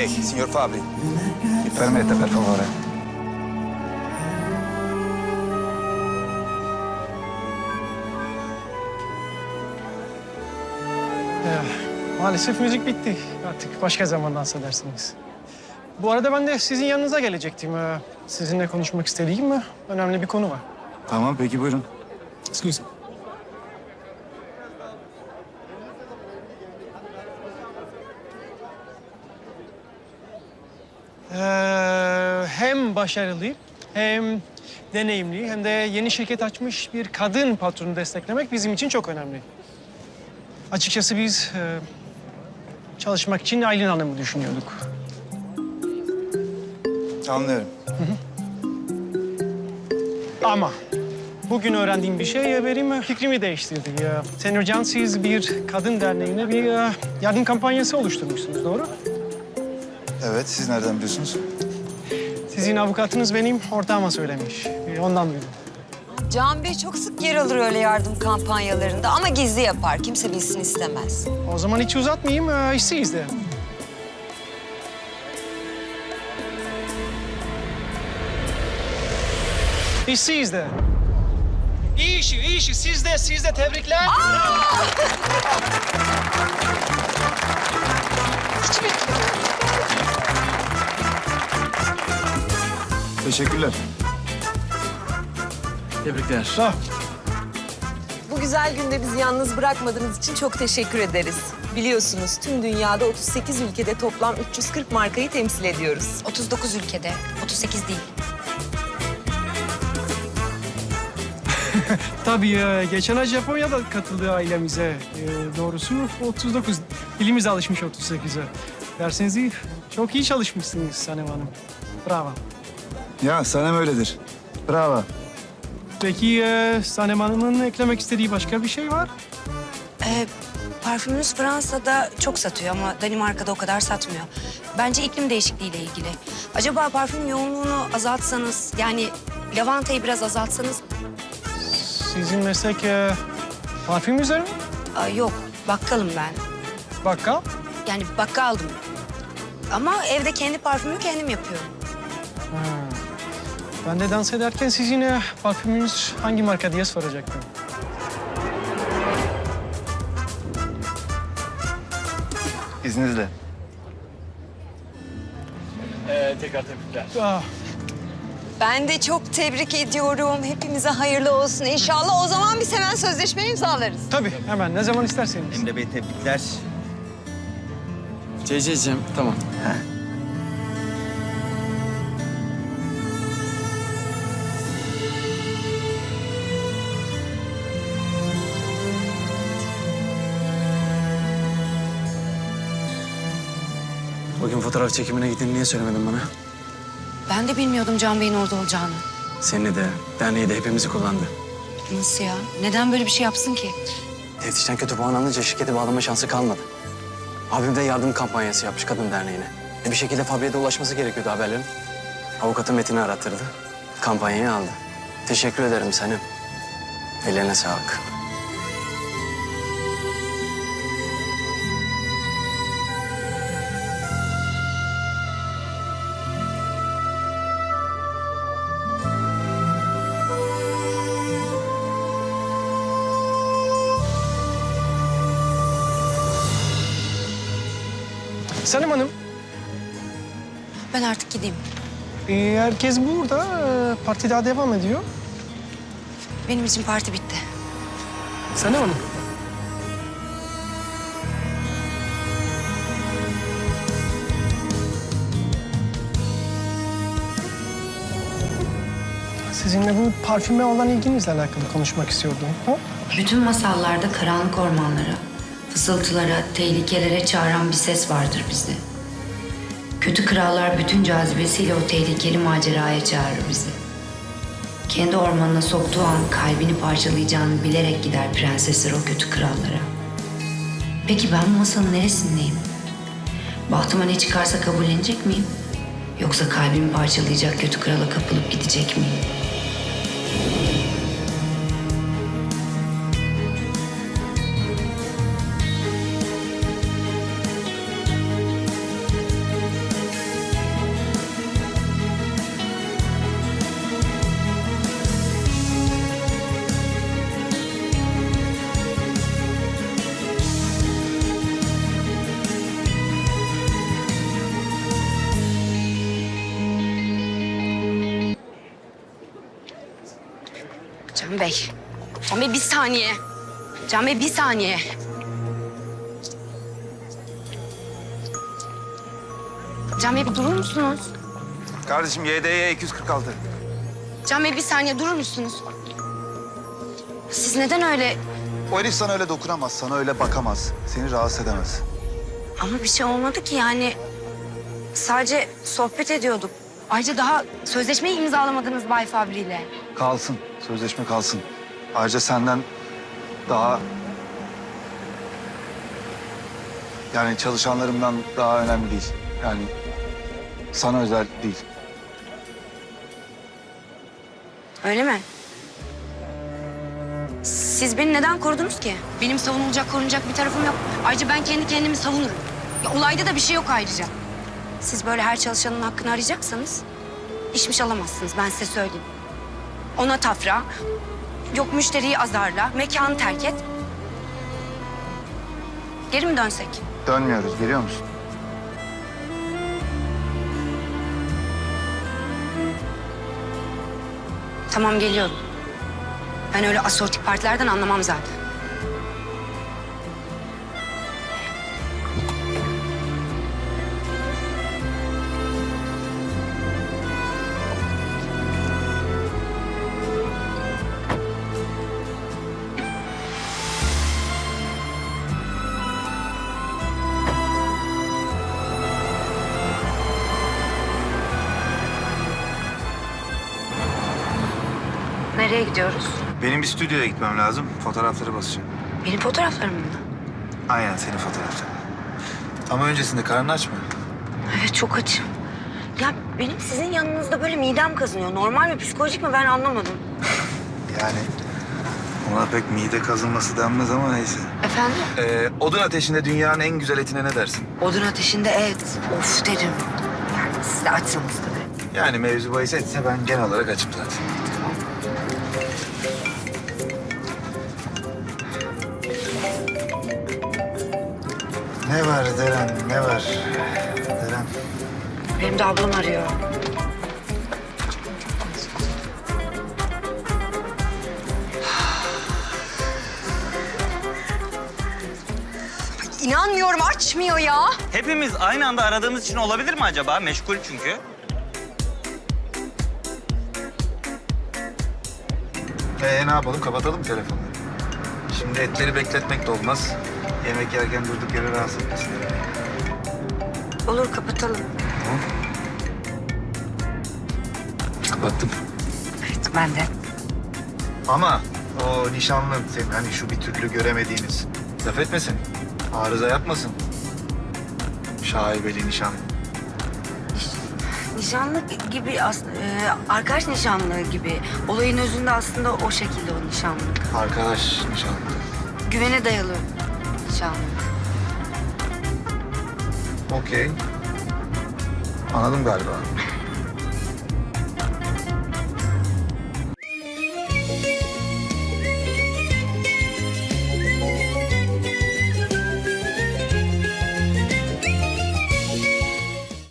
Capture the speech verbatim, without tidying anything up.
Lei, signor Fabri. Mi permetta, per favore. Ee, maalesef müzik bitti. Artık başka zaman dans edersiniz. Bu arada ben de sizin yanınıza gelecektim. Ee, sizinle konuşmak istediğim e, önemli bir konu var. Tamam, peki buyurun. Excuse me. Ee, hem başarılı, hem deneyimli, hem de yeni şirket açmış bir kadın patronu desteklemek bizim için çok önemli. Açıkçası biz e, çalışmak için Aylin Hanım'ı düşünüyorduk. Anlıyorum. Ama bugün öğrendiğim bir şey benim fikrimi değiştirdi. Ya, Senyor Can, siz bir kadın derneğine bir e, yardım kampanyası oluşturmuşsunuz, doğru? Evet, siz nereden biliyorsunuz? Sizin avukatınız benim ortağıma söylemiş. E, Ondan duydum. Can Bey çok sık yer alır öyle yardım kampanyalarında ama gizli yapar. Kimse bilsin istemez. O zaman hiç uzatmayayım, e, işi izle. İşi izle. İyi işi, iyi işi. Siz de, siz de tebrikler. Teşekkürler. Tebrikler. Sağ ol. Bu güzel günde bizi yalnız bırakmadığınız için çok teşekkür ederiz. Biliyorsunuz tüm dünyada otuz sekiz ülkede toplam üç yüz kırk markayı temsil ediyoruz. otuz dokuz ülkede, otuz sekiz değil. Tabii e, geçen ay Japonya'da katıldı ailemize. E, doğrusu otuz dokuz. Dilimiz alışmış otuz sekize. Derseniz iyi, çok iyi çalışmışsınız Sanem Hanım. Bravo. Ya, Sanem öyledir. Bravo. Peki e, Sanem Hanım'ın eklemek istediği başka bir şey var? Ee, parfümümüz Fransa'da çok satıyor ama Danimarka'da o kadar satmıyor. Bence iklim değişikliğiyle ilgili. Acaba parfüm yoğunluğunu azaltsanız, yani lavantayı biraz azaltsanız... Sizin meslek e, parfüm üzerine mi? Aa, yok, bakkalım ben. Bakkal. Yani bakkaldım. Ama evde kendi parfümümü kendim yapıyorum. Ha. Ben de dans ederken sizin e, parfümünüz hangi marka diye soracaktım. İzninizle. Ee, tekrar tebrikler. Ah, Ben de çok tebrik ediyorum. Hepimize hayırlı olsun inşallah. O zaman biz hemen sözleşme imzalarız. tabii, hemen ne zaman isterseniz. Emre Bey tebrikler. Ceyceciğim, tamam. Bugün fotoğraf çekimine gittiğini niye söylemedin bana? Ben de bilmiyordum Can Bey'in orada olacağını. Seni de, derneği de hepimizi kullandı. Nasıl ya? Neden böyle bir şey yapsın ki? Teftişten kötü puan alınca şirkete bağlama şansı kalmadı. Abim de yardım kampanyası yapmış kadın derneğine. E bir şekilde Fabri'ye de ulaşması gerekiyordu haberlerin. Avukatı Metin'i arattırdı. Kampanyayı aldı. Teşekkür ederim Sanem. Ellerine sağlık. Sanem Hanım, Ben artık gideyim. e, herkes burada. E, parti daha devam ediyor. Benim için parti bitti. Sanem Hanım. Sizinle bu parfüme olan ilginizle alakalı konuşmak istiyordum. Ha? Bütün masallarda karanlık ormanlara, fısıltılara, tehlikelere çağıran bir ses vardır bizde. Kötü krallar bütün cazibesiyle o tehlikeli maceraya çağırır bizi. Kendi ormanına soktuğu an kalbini parçalayacağını bilerek gider prensesler o kötü krallara. Peki ben bu masalın neresindeyim? Bahtıma ne çıkarsa kabullenecek miyim? Yoksa kalbimi parçalayacak kötü krala kapılıp gidecek miyim? Can Bey. Can Bey bir saniye. Can Bey bir saniye. Can Bey bir durur musunuz? Kardeşim Y D Y iki yüz kırk altı. Can Bey bir saniye durur musunuz? Siz neden öyle... O herif sana öyle dokunamaz, sana öyle bakamaz. Seni rahatsız edemez. Ama bir şey olmadı ki yani. Sadece sohbet ediyorduk. Ayrıca daha sözleşmeyi imzalamadınız Bay Fabri ile. Kalsın, sözleşme kalsın. Ayrıca senden daha... Yani çalışanlarımdan daha önemli değil. Yani sana özel değil. Öyle mi? Siz beni neden korudunuz ki? Benim savunulacak, korunacak bir tarafım yok. Ayrıca ben kendi kendimi savunurum. Ya, olayda da bir şey yok ayrıca. Siz böyle her çalışanın hakkını arayacaksanız... ...işmiş alamazsınız, ben size söyleyeyim. Ona tafra, yok müşteriyi azarla, mekanı terk et. Geri mi dönsek? Dönmüyoruz, görüyor musun? Tamam, geliyorum. Ben öyle asortik partilerden anlamam zaten. Nereye gidiyoruz? Benim bir stüdyoya gitmem lazım. Fotoğrafları basacağım. Benim fotoğraflarım mı? Aynen senin fotoğrafların. Ama öncesinde karnını açma. Evet, çok açım. Ya benim sizin yanınızda böyle midem kazınıyor. Normal mi, psikolojik mi ben anlamadım. Yani ona pek mide kazınması denmez ama neyse. Efendim? Ee, odun ateşinde dünyanın en güzel etine ne dersin? Odun ateşinde et. Of derim. Yani siz de açsanız tabii. Yani mevzu bahis etse ben genel olarak açım zaten. Ne var Deren, ne var? Deren. Benim de ablam arıyor. Ay, İnanmıyorum, açmıyor ya. Hepimiz aynı anda aradığımız için olabilir mi acaba? Meşgul çünkü. Ee, ne yapalım, kapatalım mı telefonları? Şimdi etleri bekletmek de olmaz. Yemek yerken durduk yere rahatsız etmesin. Olur, kapatalım. Kapattım. Evet, ben de. Ama o nişanlın senin hani şu bir türlü göremediğiniz laf etmesin. Arıza yapmasın. Şaibeli nişanlı. Nişanlı gibi, as- e, arkadaş nişanlığı gibi. Olayın özünde aslında o şekilde o nişanlılık. Arkadaş nişanlı. Güvene dayalı nişanlılık. Okey. Anladım galiba.